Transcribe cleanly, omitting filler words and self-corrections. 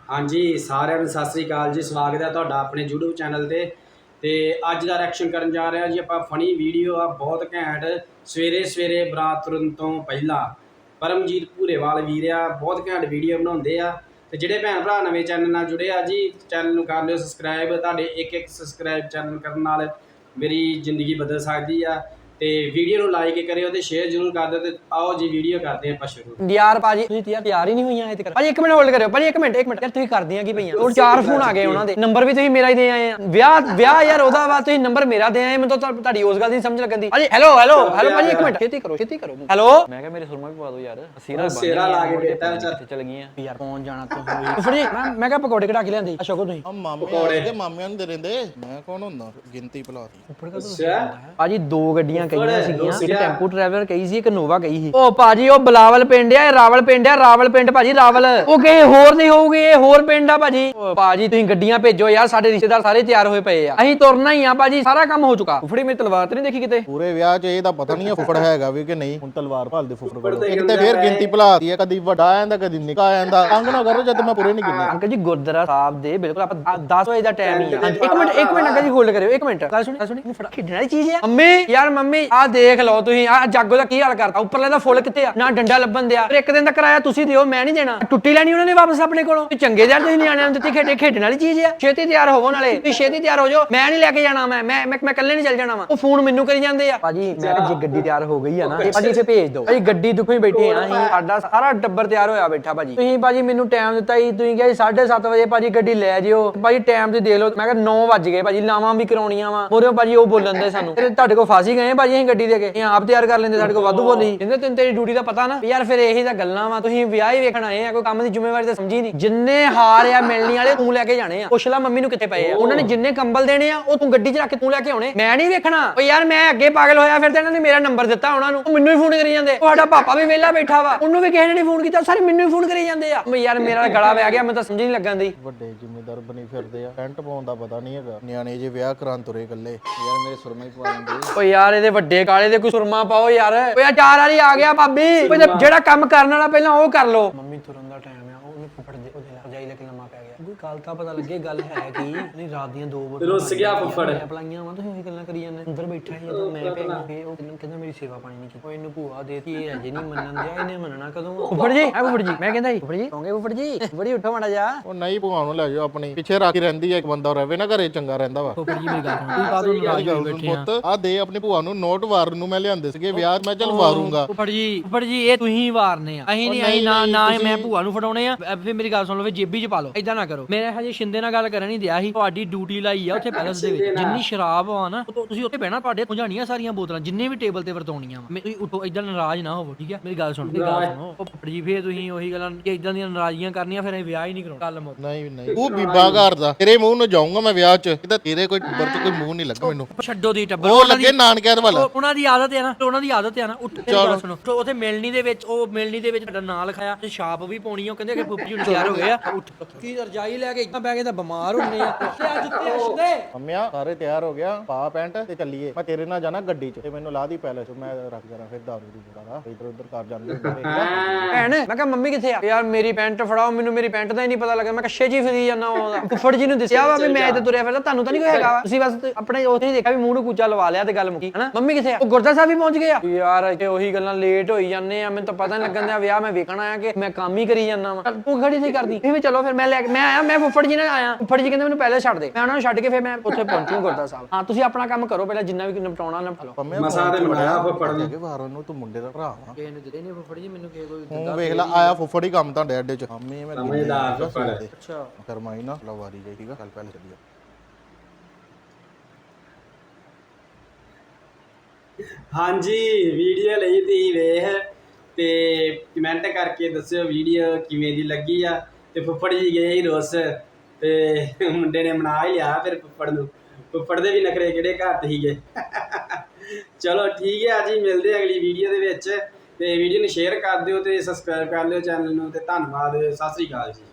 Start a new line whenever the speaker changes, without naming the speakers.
हाँ जी सारिਆਂ ਨੂੰ ਸਤਿ ਸ੍ਰੀ ਅਕਾਲ ਜੀ। ਸਵਾਗਤ ਹੈ ਤੁਹਾਡਾ ਆਪਣੇ YouTube ਚੈਨਲ ਤੇ ਅੱਜ ਦਾ ਰਿਐਕਸ਼ਨ ਕਰਨ ਜਾ ਰਹੇ ਹਾਂ ਜੀ ਆਪਾਂ ਫਨੀ ਵੀਡੀਓ ਆ ਬਹੁਤ ਘੈਂਟ। ਸਵੇਰੇ ਸਵੇਰੇ ਬਰਾਤ ਤੁਰਨ ਤੋਂ ਪਹਿਲਾਂ ਪਰਮਜੀਤ ਭੂਰੇਵਾਲ ਵੀਰ ਆ ਬਹੁਤ ਘੈਂਟ ਵੀਡੀਓ ਬਣਾਉਂਦੇ ਆ। ਤੇ ਜਿਹੜੇ ਭੈਣ ਭਰਾ ਨਵੇਂ ਚੈਨਲ ਨਾਲ ਜੁੜੇ ਆ ਜੀ ਚੈਨਲ ਨੂੰ ਕਰ ਲਿਓ ਸਬਸਕ੍ਰਾइब। ਤੁਹਾਡੇ ਇੱਕ ਸਬਸਕ੍ਰਾइब ਚੈਨਲ ਕਰਨ ਨਾਲ ਮੇਰੀ ਜ਼ਿੰਦਗੀ ਬਦਲ ਸਕਦੀ ਆ। ਤੇ ਵੀਡੀਓ ਨੂੰ ਲਾਈਕ ਕਰਿਓ ਤੇ ਸ਼ੇਅਰ ਜ਼ਰੂਰ ਕਰ ਦਿਓ। ਤੇ ਆਓ ਜੀ ਵੀਡੀਓ ਕਰਦੇ ਆਪਾਂ ਸ਼ੁਰੂ।
ਯਾਰ ਭਾਜੀ ਤੁਸੀਂ ਯਾਰ ਤਿਆਰ ਹੀ ਨਹੀਂ ਹੋਈਆਂ ਇੱਥੇ ਕਰ ਭਾਜੀ। 1 ਮਿੰਟ ਹੋਲਡ ਕਰਿਓ ਭਾਜੀ, 1 ਮਿੰਟ ਯਾਰ ਤੁਸੀਂ ਕਰਦੀਆਂ ਕੀ ਪਈਆਂ? ਉਹ 4 ਫੋਨ ਆ ਗਏ ਉਹਨਾਂ ਦੇ, ਨੰਬਰ ਵੀ ਤੁਸੀਂ ਮੇਰਾ ਹੀ ਦੇ ਆਏ ਆ। ਵਿਆਹ ਯਾਰ ਉਹਦਾ ਵਾ, ਤੁਸੀਂ ਨੰਬਰ ਮੇਰਾ ਦੇ ਆਏ। ਮੈਨੂੰ ਤਾਂ ਤੁਹਾਡੀ ਉਸ ਗੱਲ ਦੀ ਸਮਝ ਲੱਗਣ ਦੀ। ਭਾਜੀ ਹੈਲੋ ਭਾਜੀ 1 ਮਿੰਟ ਛੇਤੀ ਕਰੋ ਹੈਲੋ। ਮੈਂ ਕਿਹਾ ਮੇਰੇ ਸੁਰਮਾ ਵੀ ਪਵਾ ਦਿਓ ਯਾਰ।
ਸਿਰਾ ਲਾ ਕੇ ਬੇਟਾ ਵਿਚਾਰ
ਚੱਲ ਗਈਆਂ ਯਾਰ। ਕੌਣ ਜਾਣਾ ਤੂੰ ਫੜੀ? ਮੈਂ ਕਿਹਾ ਪਕੌੜੇ ਕਢਾ ਕੇ ਲਿਆਂਦੇ ਅਸ਼ੋਕੋ ਤੁਸੀਂ।
ਪਕੌੜੇ
ਮਾਮਿਆਂ ਨੂੰ ਦੇ ਰਹਿੰਦੇ। ਮੈਂ ਕੌਣ ਹੁੰਦਾ ਗਿਣਤੀ ਭੁਲਾਤੀ।
ਭਾਜੀ 2 ਗੱਡੀਆਂ ਕਹੀਆਂ ਸੀਗੀਆਂ, ਇੱਕ ਟੈਂਪੂ ਟਰੈਵਲਰ ਕਹੀ ਸੀ, ਇੱਕ ਨੋਵਾ ਕਹੀ ਸੀ। ਉਹ ਭਾਜੀ ਉਹ ਬਲਾਵਲ ਪਿੰਡ ਆ, ਰਾਵਲ ਪਿੰਡ ਭਾਜੀ ਰਾਵਲ। ਉਹ ਕਿਸੇ ਹੋਰ ਨਹੀਂ ਹੋਊਗੀ, ਇਹ ਹੋਰ ਪਿੰਡ ਆ ਭਾਜੀ। ਭਾਜੀ ਤੁਸੀਂ ਗੱਡੀਆਂ ਭੇਜੋ ਯਾਰ, ਸਾਡੇ ਰਿਸ਼ਤੇਦਾਰ ਸਾਰੇ ਤਿਆਰ ਹੋਏ ਪਏ ਆ, ਅਸੀਂ ਤੁਰਨਾ ਹੀ ਆ ਭਾਜੀ। ਸਾਰਾ ਕੰਮ ਹੋ ਚੁੱਕਾ। ਫੁੱਫੜੀ ਮੇਰੀ ਤਲਵਾਰ ਤੇ ਨਹੀਂ ਦੇਖੀ ਕਿਤੇ?
ਪੂਰੇ ਵਿਆਹ 'ਚ ਇਹਦਾ ਪਤਾ ਨਹੀਂ ਫੁੱਫੜ ਹੈਗਾ ਵੀ ਕਿ ਨਹੀਂ। ਹੁਣ ਤਲਵਾਰ ਭਾਲਦੇ ਫੁੱਫੜ ਕੋਲ। ਇੱਕ ਤੇ ਫੇਰ ਗਿਣਤੀ ਭੁਲਾਤੀ ਹੈ, ਕਦੀ ਵੱਡਾ ਆ ਜਾਂਦਾ ਕਦੀ ਨਿੱਕਾ ਆ ਜਾਂਦਾ। ਤੰਗ ਨਾ ਕਰੋ ਜਦ ਮੈਂ ਪੂਰੇ ਨਹੀਂ ਗਿਣਨੇ।
ਅੰਕਲ ਜੀ ਗੁਰਦੁਆਰਾ ਸਾਹਿਬ ਦੇ ਬਿਲਕੁਲ ਆਪਾਂ 10 ਵਜੇ ਦਾ ਟਾਈਮ ਹੀ ਆ। 1 ਮਿੰਟ ਅੰਕਲ ਜੀ ਹੋਲਡ ਕਰਿਓ 1 ਮਿੰਟ। ਗੱਲ ਸੁਣੀ ਫੜਾ ਖੇਡਣ ਵਾਲੀ ਚੀਜ਼ ਆ ਮੰਮੀ। ਯਾਰ ਮੰਮੀ ਆਹ ਦੇਖ ਲਓ ਤੁਸੀਂ, ਆਹ ਜਾਗੋ ਦਾ ਕੀ ਹਾਲ ਕਰਤਾ। ਉੱਪਰਲੇ ਦਾ ਫੁੱਲ ਕਿੱਥੇ ਆ? ਨਾ ਡੰਡਾ ਲੱਭਣ ਦਿਆ। ਫਿਰ 1 ਦਿਨ ਦਾ ਕਿਰਾਇਆ ਤੁਸੀਂ ਦਿਓ, ਮੈਂ ਨਹੀਂ ਦੇਣਾ। ਟੁੱਟੀ ਲੈਣੀ ਉਹਨਾਂ ਨੇ ਵਾਪਸ ਆਪਣੇ ਕੋਲੋਂ। ਚੰਗੇ ਯਾਰ ਤੁਸੀਂ ਨਿਆਣਿਆਂ ਨੂੰ ਦਿੱਤੀ ਖੇਡਣ ਵਾਲੀ ਚੀਜ਼ ਆ। ਛੇਤੀ ਤਿਆਰ ਹੋਵੋ, ਨਾਲੇ ਤੁਸੀਂ ਛੇਤੀ ਤਿਆਰ ਹੋ ਜਾਓ। ਮੈਂ ਨਹੀਂ ਲੈ ਕੇ ਜਾਣਾ, ਮੈਂ ਇਕੱਲੇ ਨਹੀਂ ਚੱਲ ਜਾਣਾ ਵਾ। ਉਹ ਫੋਨ ਮੈਨੂੰ ਕਰੀ ਜਾਂਦੇ ਆ। ਭਾਜੀ ਮੈਂ ਕਿਹਾ ਜੇ ਗੱਡੀ ਤਿਆਰ ਹੋ ਗਈ ਆ ਨਾ ਭਾਜੀ ਇੱਥੇ ਭੇਜ ਦਿਓ। ਭਾਜੀ ਗੱਡੀ ਦੁੱਖੋਂ ਹੀ ਬੈਠੇ ਆ ਅਸੀਂ, ਸਾਡਾ ਸਾਰਾ ਟੱਬਰ ਤਿਆਰ ਹੋਇਆ ਬੈਠਾ ਭਾਜੀ। ਤੁਸੀਂ ਭਾਜੀ ਮੈਨੂੰ ਟਾਈਮ ਦਿੱਤਾ ਸੀ, ਤੁਸੀਂ ਕਿਹਾ 7:30 ਵਜੇ ਭਾਜੀ ਗੱਡੀ ਲੈ ਜਿਓ। ਭਾਜੀ ਟਾਈਮ ਤੇ ਦੇਖ ਲਓ, ਮੈਂ ਕਿਹਾ 9 ਵੱਜ ਗਏ ਭਾਜੀ। ਲਾਵਾਂ ਵੀ ਕਰਾਉਣੀਆਂ ਵਾ ਮੋਰੇ ਭਾਜੀ। ਉਹ ਬੋਲਣ ਦੇ ਸਾਨੂੰ ਤੁਹਾਡੇ ਕੋਲ ਫਾਸੀ ਗਏ ਭਾਜੀ। ਅਸੀਂ ਗੱਡੀ ਦੇ ਕੇ ਆਪ ਤਿਆਰ ਕਰ ਲੈਂਦੇ, ਸਾਡੇ ਕੋਲ ਵਾਧੂ ਬੋਲੀ। ਕਹਿੰਦੇ ਤੈਨੂੰ ਤੇਰੀ ਡਿਊਟੀ ਦਾ ਪਤਾ ਨਾ ਯਾਰ। ਫਿਰ ਇਹੀ ਤਾਂ ਗੱਲਾਂ ਵਾ, ਤੁਸੀਂ ਵਿਆਹ ਹੀ ਵੇਖਣ ਆਏ ਆ, ਕੋਈ ਕੰਮ ਦੀ ਜ਼ਿੰਮੇਵਾਰੀ ਤਾਂ ਸਮਝੀ ਨਹੀਂ। ਜਿੰਨੇ ਹਾਰ ਆ ਮਿਲਣੀ ਵਾਲੇ ਤੂੰ ਲੈ ਕੇ ਜਾਣੇ ਆ। ਪੁੱਛ ਲੈ ਮੰਮੀ ਨੂੰ ਕਿੱਥੇ ਪਏ ਆ। ਉਹਨਾਂ ਨੇ ਜਿੰਨੇ ਕੰਬਲ ਦੇਣੇ ਆ ਉਹ ਤੂੰ ਗੱਡੀ 'ਚ ਰੱਖ ਕੇ ਤੂੰ ਲੈ ਕੇ ਆਉਣੇ। ਮੈਂ ਨਹੀਂ ਵੇਖਣਾ। ਓ ਯਾਰ ਮੈਂ ਅੱਗੇ ਪਾਗਲ ਹੋਇਆ ਫਿਰ ਤੇ ਇਹਨਾਂ ਨੇ ਮੇਰਾ ਨੰਬਰ ਦਿੱਤਾ ਉਹਨਾਂ ਨੂੰ। ਮੈਨੂੰ ਹੀ ਫੋਨ ਕਰੀ ਜਾਂਦੇ। ਤੁਹਾਡਾ ਪਾਪਾ ਵੀ ਵਿਹਲਾ ਬੈਠਾ ਵਾ, ਉਹਨੂੰ ਵੀ ਕਿਸੇ ਨੇ ਨਹੀਂ ਫੋਨ ਕੀਤਾ, ਸਾਰੇ ਮੈਨੂੰ ਹੀ ਫੋਨ ਕਰੀ ਜਾਂਦੇ ਆ। ਯਾਰ ਮੇਰਾ ਗਲਾ ਵਹਿ ਗਿਆ, ਮੈਨੂੰ ਤਾਂ ਸਮਝ ਨਹੀਂ ਲੱਗਣ ਦੀ।
ਵੱਡੇ ਜ਼ਿੰਮੇਦਾਰ ਬਣੀ ਫਿਰਦੇ ਆ, ਟੈਂਟ ਪਾਉਣ ਦਾ ਪਤਾ ਨਹੀਂ ਹੈਗਾ। ਨਿਆਣੇ ਜੇ ਵਿਆਹ ਕਰਾਂ ਤੁਰੇ ਇਕੱਲੇ। ਯਾਰ ਮੇਰੇ ਸੁਰਮਾ ਹੀ ਪਵਾ ਦਿੰਦੇ।
ਓ ਯਾਰ ਇਹਦੇ ਵੱਡੇ ਕਾਲੇ ਦੇ ਕੋਈ ਸੁਰਮਾ ਪਾਓ ਯਾਰ। ਓ ਯਾਰ 4 ਵਾਲੀ ਆ ਗਿਆ ਭਾਬੀ। ਜਿਹੜਾ ਕੰਮ ਕਰਨ ਵਾਲਾ ਪਹਿਲਾਂ ਉਹ ਕਰ ਲੋ। ਮੰਮੀ ਤੁਰਨ ਦਾ ਟਾਈਮ ਆ, ਉਹਨੇ ਫੁੱਫੜ ਦੇ ਉਹਦੇ ਨਾਲ ਜਾਈ ਲੈ ਕੇ ਲੰਮਾ ਪੈ ਗਿਆ। ਕੋਈ ਗੱਲ ਤਾਂ ਪਤਾ ਲੱਗੇ ਗੱਲ ਹੈ ਕੀ ਨਹੀਂ। ਰਾਤ ਦੀਆਂ 2 ਵਜੇ
ਰੁੱਸ ਗਿਆ ਫੁੱਫੜ।
ਪਲਾਈਆਂ ਵਾ, ਤੁਸੀਂ ਉਹੀ ਗੱਲਾਂ ਕਰੀ ਜਾਂਦੇ। ਅੰਦਰ ਬੈਠਾ ਸੀ ਜਦੋਂ ਮੈਂ ਪੈ ਗਿਆ। ਉਹ ਕਹਿੰਦਾ ਮੇਰੀ ਸੇਵਾ ਪਾਣੀ ਨਹੀਂ ਕੀਤੀ। ਉਹ ਇਹਨੂੰ ਭੂਆ ਦੇਤੀ, ਇਹ ਅਜੇ ਨਹੀਂ ਮੰਨਣ ਦਿਆ। ਇਹਨੇ ਮੰਨਣਾ ਕਦੋਂ? ਫੁੱਫੜ ਜੀ ਫੁੱਫੜ ਜੀ ਮੈਂ ਕਹਿੰਦਾ ਫੁੱਫੜ ਜੀ ਕਹੋਗੇ ਫੁੱਫੜ ਜੀ ਬੜੀ ਉੱਠੋ ਮਾੜਾ ਜਾ।
ਉਹ ਨਹੀਂ ਭੂਆ ਨੂੰ ਲੈ ਜਾਓ ਆਪਣੀ, ਪਿੱਛੇ ਰੱਖ ਕੇ ਰਹਿੰਦੀ ਹੈ। ਇੱਕ ਬੰਦਾ ਰਵੇ ਨਾ ਘਰੇ ਚੰਗਾ ਰਹਿੰਦਾ ਵਾ।
ਫੁੱਫੜ ਜੀ ਮੇਰੀ ਗੱਲ ਸੁਣੋ, ਬਾਦੋਂ ਨਾਰਾਜ਼ ਹੋ ਬੈਠੇ ਆ।
ਪੁੱਤ ਆ ਦੇ ਆਪਣੀ ਭੂਆ ਨੂੰ ਨੋਟ ਵਾਰਨ ਨੂੰ। ਮੈਂ ਲਿਆਂਦੇ ਸੀਗੇ ਵਿਆਹ, ਮੈਂ ਚੱਲ ਵਾਰੂੰਗਾ।
ਫੁੱਫੜ ਜੀ ਇਹ ਤੁਸੀਂ ਵਾਰਨੇ ਆ, ਅਸੀਂ ਨਹੀਂ। ਅਸੀਂ ਨਾ ਮੈਂ ਭੂਆ ਨੂੰ ਫੜਾਉਣੇ ਆ। ਫਿਰ ਮੇਰੀ ਗੱਲ ਸੁਣ ਲਓ, ਜੇਬੀ 'ਚ ਪਾ ਲਓ। ਏਦਾਂ ਨਾ ਕਰੋ। ਮੇਰੇ ਹਜੇ ਸ਼ਿੰਦੇ ਨਾਲ ਗੱਲ ਕਰਨ ਨਹੀਂ ਦਿਆ ਸੀ। ਤੁਹਾਡੀ ਡਿਊਟੀ ਲਾਈ ਆ ਉੱਥੇ ਪੈਲਸ ਦੇ ਵਿੱਚ। ਜਿੰਨੀ ਸ਼ਰਾਬ ਆ ਨਾ ਤੁਸੀਂ ਉੱਥੇ ਬਹਿਣਾ। ਤੁਹਾਡੇ ਪੁੰਝਾਣੀਆਂ ਸਾਰੀਆਂ ਬੋਤਲਾਂ ਜਿੰਨੇ ਵੀ ਟੇਬਲ ਤੇ ਵਰਤਾਉਣੀਆਂ ਵਾ। ਤੁਸੀਂ ਉੱਠੋ, ਏਦਾਂ ਨਾਰਾਜ਼ ਨਾ ਹੋਵੋ, ਠੀਕ ਹੈ? ਮੇਰੀ ਗੱਲ ਸੁਣੋ। ਫੁੱਫੜ ਜੀ ਫੇਰ ਤੁਸੀਂ ਉਹੀ ਗੱਲਾਂ ਕਿ ਏਦਾਂ ਦੀਆਂ ਨਾਰਾਜ਼ੀਆਂ ਕਰਨੀਆਂ, ਫਿਰ ਅਸੀਂ ਵਿਆਹ ਹੀ ਨਹੀਂ ਕਰਾਉਣਾ। ਗੱਲ ਮੁੱਕ।
ਨਹੀਂ ਉਹ ਬੀਬਾ ਘਰ ਦਾ ਤੇਰੇ ਮੂੰਹ ਨੂੰ ਜਾਊਂਗਾ ਮੈਂ ਵਿਆਹ 'ਚ। ਕਿਤੇ ਤੇਰੇ ਕੋਈ ਟੱਬਰ 'ਚ ਕੋਈ ਮੂੰਹ ਨਹੀਂ ਲੱਗਾ ਮੈਨੂੰ।
ਛੱਡੋ ਦੀ ਟੱਬਰ,
ਉਹ ਲੱਗੇ ਨਾਨਕਿਆਂ ਦੇ ਵੱਲ।
ਉਹਨਾਂ ਦੀ ਆਦਤ ਹੈ ਨਾ, ਉਹਨਾਂ ਦੀ ਆਦਤ ਹੈ ਨਾ। ਚਲੋ ਸੁਣੋ, ਉੱਥੇ ਮਿਲਣੀ ਦੇ ਵਿੱਚ ਤੁਹਾਡਾ ਨਾਂ ਲਿਖਾਇਆ ਤੇ ਛਾਪ ਵੀ ਪਾਉਣੀ ਆ। ਉਹ ਕਹਿੰਦੇ ਕਿ ਫੁੱਫੀ ਜੀ ਤਿਆਰ ਹੋ ਗਏ ਆ। ਉੱਠ ਕੀ ਰਜਾਈ ਲੈ ਕੇ ਇੱਦਾਂ ਬਹਿ ਕੇ ਤਾਂ ਬਿਮਾਰ ਹੁੰਨੇ ਆ।
ਮੰਮਿਆ ਸਾਰੇ ਤਿਆਰ ਹੋ ਗਿਆ, ਪਾ ਪੈਂਟ ਤੇ ਚੱਲੀਏ। ਮੈਂ ਤੇਰੇ ਨਾਲ ਜਾਣਾ ਗੱਡੀ 'ਚ ਤੇ ਮੈਨੂੰ ਲਾ ਦੀ ਪੈਲਸ। ਮੈਂ ਰੱਖ ਜਾਣਾ ਫਿਰ ਦਾਰੂ ਦੀ ਬੁੜਾ ਇੱਧਰ ਉੱਧਰ ਕਰ ਜਾਂਦੇ।
ਭੈਣ ਮੈਂ ਕਿਹਾ ਮੰਮੀ ਕਿੱਥੇ ਆ? ਯਾਰ ਮੇਰੀ ਪੈਂਟ ਫੜਾਓ, ਮੈਨੂੰ ਮੇਰੀ ਪੈਂਟ ਦਾ ਹੀ ਨਹੀਂ ਪਤਾ ਲੱਗਾ। ਮੈਂ ਕੱਛੇ ਜੀ ਫਿਰੀ ਜਾਂਦਾ। ਫੁੱਫੜ ਜੀ ਨੂੰ ਦੱਸਿਆ ਵਾ ਵੀ ਮੈਂ ਇੱਥੇ ਤੁਰਿਆ ਫਿਰਦਾ, ਤੁਹਾਨੂੰ ਤਾਂ ਨਹੀਂ ਕੋਈ ਹੈਗਾ। ਤੁਸੀਂ ਬਸ ਆਪਣੇ ਉੱਥੇ ਹੀ ਦੇਖਿਆ ਵੀ ਮੂੰਹ ਨੂੰ ਕੂਚਾ ਲਵਾ ਲਿਆ ਤੇ ਗੱਲ ਮੁੱਕੀ ਹਨਾ। ਮੰਮੀ ਕਿੱਥੇ ਆ? ਉਹ ਗੁਰਦੁਆਰਾ ਸਾਹਿਬ ਵੀ ਪਹੁੰਚ ਗਏ ਆ। ਯਾਰ ਇੱਥੇ ਉਹੀ ਗੱਲਾਂ ਲੇਟ ਹੋਈ ਜਾਂਦੇ ਆ। ਮੈਨੂੰ ਤਾਂ ਪਤਾ ਨਹੀਂ ਲੱਗਣ ਦਿਆ ਵਿਆਹ ਮੈਂ ਵੇਖਣ ਆਇਆ ਕਿ ਮੈਂ ਕੰਮ ਹੀ ਕਰੀ ਜਾਂਦਾ ਵਾ। ਤੂੰ ਖੜੀ ਨਹੀਂ ਕਰਦੀ। ਫਿਰ ਚਲੋ ਫਿਰ ਮੈਂ ਆਇਆ। ਮੈਂ ਫੁੱਫੜ ਜੀ ਨਾਲ ਆਇਆ। ਫੁੱਫੜ ਜੀ ਕਹਿੰਦੇ ਮੈਨੂੰ ਪਹਿਲੇ ਛੱਡ ਦੇ। ਮੈਂ ਉਹਨਾਂ ਨੂੰ ਛੱਡ ਕੇ ਫਿਰ ਮੈਂ ਉੱਥੇ ਪਹੁੰਚੂ ਗੁਰਦੁਆਰਾ ਸਾਹਿਬ। ਹਾਂ ਤੁਸੀਂ ਆਪਣਾ ਕੰਮ ਕਰੋ ਪਹਿਲਾਂ, ਜਿੰਨਾ ਵੀ ਨਿਪਟਾਉਣਾ ਨਿਪਟਾ ਲਓ।
ਮਸਾਂ ਤੇ ਮਨਾਇਆ ਫੁੱਫੜ ਨੂੰ
ਕਿ ਵਾਰ ਉਹਨੂੰ ਤੂੰ ਮੁੰਡੇ ਦਾ ਭਰਾ ਵਾ।
ਕਿਸੇ ਨੇ ਦਿੱਤੇ ਨਹੀਂ ਫੁੱਫੜ ਜੀ ਮੈਨੂੰ ਕੋਈ।
ਤੂੰ ਵੇਖ ਲੈ ਆਇਆ ਫੁੱਫੜ ਹੀ ਕੰਮ ਤੁਹਾਡੇ ਅੱਡੇ 'ਚ। ਮੰਮੀ ਮੈਂ
ਸਮਝਦਾਰ ਫੁੱਫੜ।
ਅੱਛਾ ਕਰਮਾਈ ਨਾ ਲਵਾਰੀ ਜਾਈ, ਠੀਕ ਆ? ਕੱਲ ਪਹਿਲੇ ਚੱਲੀਏ।
ਹਾਂਜੀ ਵੀਡੀਓ ਲਈ ਤੁਸੀਂ ਵੇਖ ਤੇ ਕਮੈਂਟ ਕਰਕੇ ਦੱਸਿਓ ਵੀਡੀਓ ਕਿਵੇਂ ਦੀ ਲੱਗੀ ਆ। ਤੇ ਫੁੱਫੜ ਜੀ ਗਏ ਹੀ ਰੁੱਸ ਤੇ ਮੁੰਡੇ ਨੇ ਮਨਾ ਹੀ ਲਿਆ ਫਿਰ ਫੁੱਫੜ ਨੂੰ। ਫੁੱਫੜ ਦੇ ਵੀ ਨਖਰੇ ਕਿਹੜੇ ਘੱਟ ਸੀਗੇ। ਚਲੋ ਠੀਕ ਹੈ ਜੀ, ਮਿਲਦੇ ਅਗਲੀ ਵੀਡੀਓ ਦੇ ਵਿੱਚ। ਤੇ ਵੀਡੀਓ ਨੂੰ ਸ਼ੇਅਰ ਕਰ ਦਿਓ ਤੇ ਸਬਸਕ੍ਰਾਈਬ ਕਰ ਲਿਓ ਚੈਨਲ ਨੂੰ। ਤੇ ਧੰਨਵਾਦ, ਸਤਿ ਸ੍ਰੀ ਅਕਾਲ ਜੀ।